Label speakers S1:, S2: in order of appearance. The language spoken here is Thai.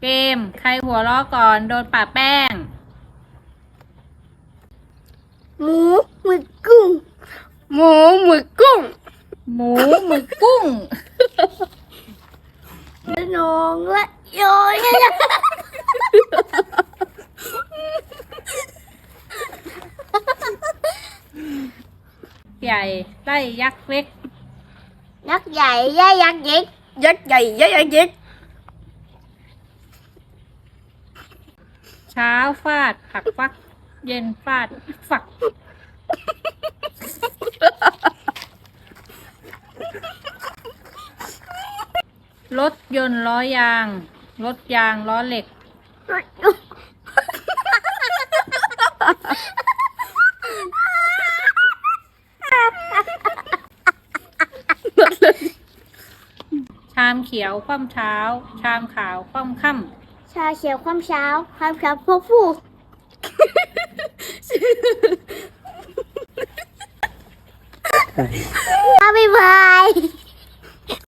S1: เกมใครหัวล้อก่อนโดนป่าแป้ง
S2: หมูหมึกกุ้งหมูหมึกกุ้ง
S1: หมูหมึกกุ้ง
S2: นองและโยย
S1: ใหญ่ไล่ยักษ์เล็ก
S2: ยักษ์ใหญ่ย่ายักษ์เล็กยักษ์ใหญ่ย่ายักษ์เล็ก
S1: เช้าฟาดผักฟักเย็นฟาดฝักรถยนต์ล้อยางรถยางล้อเหล็กชามเขียวคว่ำเช้าชามขาวคว่ำค่ำ
S2: ชาเขียวความเช้าความเช้าพวกผู้บ๊ายบาย